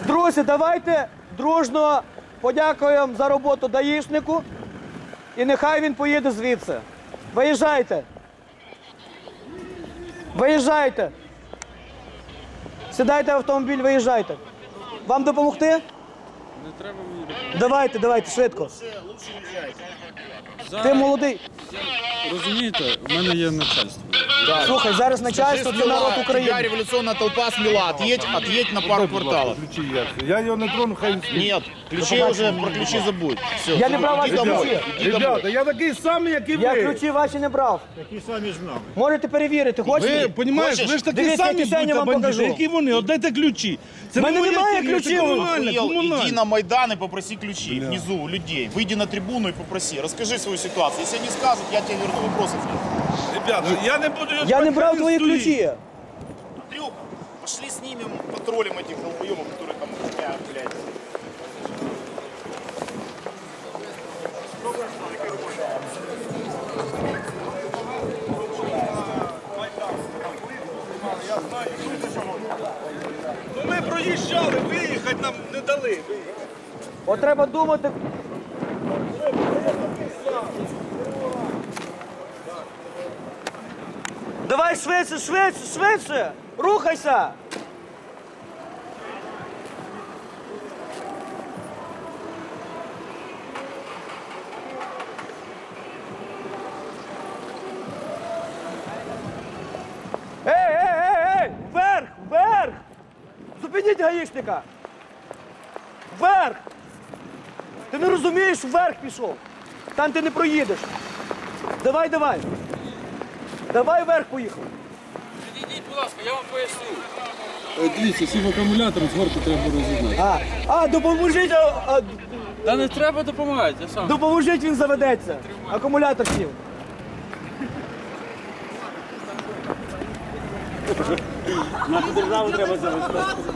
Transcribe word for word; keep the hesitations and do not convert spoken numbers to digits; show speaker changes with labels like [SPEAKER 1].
[SPEAKER 1] Друзі, давайте дружно подякуємо за роботу даїшнику і нехай він поїде звідси. Виїжджайте. Виїжджайте. Сідайте в автомобіль, виїжджайте. Вам допомогти?
[SPEAKER 2] Не треба мені.
[SPEAKER 1] Давайте, давайте, швидко.
[SPEAKER 2] За...
[SPEAKER 1] Ти молодий.
[SPEAKER 2] Розумієте, в мене є начальство.
[SPEAKER 1] Слухай, зараз начальство – це народ
[SPEAKER 3] Тебя
[SPEAKER 1] України.
[SPEAKER 3] революционная толпа смела. Отъедь, отъедь на пару кварталов.
[SPEAKER 4] Ключі я. Я його не трону, хай він стоїть.
[SPEAKER 3] Нет, ключи уже, про ключи забудь. Все,
[SPEAKER 1] Я не брав ваші
[SPEAKER 3] иди домой.
[SPEAKER 1] ключі.
[SPEAKER 3] Иди домой.
[SPEAKER 4] Ребята, я такий самий, як і ви.
[SPEAKER 1] Я ключі ваші не брав.
[SPEAKER 4] Такі самі ж нами.
[SPEAKER 1] Можете перевірити,
[SPEAKER 4] Ви,
[SPEAKER 1] хочете?
[SPEAKER 4] понімаєш, ви ж такі
[SPEAKER 1] Дивіться,
[SPEAKER 4] самі
[SPEAKER 1] які Сеня
[SPEAKER 4] будьте
[SPEAKER 1] вам
[SPEAKER 4] бандити,
[SPEAKER 1] покажу.
[SPEAKER 4] які вони, отдайте ключі. Це
[SPEAKER 1] В мене
[SPEAKER 4] не моя
[SPEAKER 1] немає
[SPEAKER 4] фірма,
[SPEAKER 1] ключів.
[SPEAKER 4] Це комунальне,
[SPEAKER 3] Охуел, иди
[SPEAKER 4] комунальне.
[SPEAKER 3] на Майдан и попроси ключи внизу у людей. Выйди на трибуну и попроси. Расскажи свою ситуацию. Если они скажут, я тебе верну вопросов нет.
[SPEAKER 4] Ребята, я не буду...
[SPEAKER 1] Я не брав твої ключі.
[SPEAKER 3] Трюк, пошли снимем патрулем этих долбоебов, которые там охраняют, блядь.
[SPEAKER 4] Ну ми проїжджали, виїхати нам не дали.
[SPEAKER 1] От треба думати. Давай швидше, швидше, швидше! Рухайся! Ей, ей, ей, ей! Вверх, вверх! Зупиніть гаїшника! Вверх! Ти не розумієш, вверх пішов. Там ти не проїдеш. Давай, давай. Давай вверх поїхав.
[SPEAKER 2] Підійдіть, будь ласка, я вам поясню. Дивіться, сів акумулятор, згорку треба розігнати.
[SPEAKER 1] А, а допоможіть, а, а,
[SPEAKER 2] Та не треба допомагати, я сам.
[SPEAKER 1] допоможіть, він заведеться. Акумулятор сів. Нашу державу треба завести.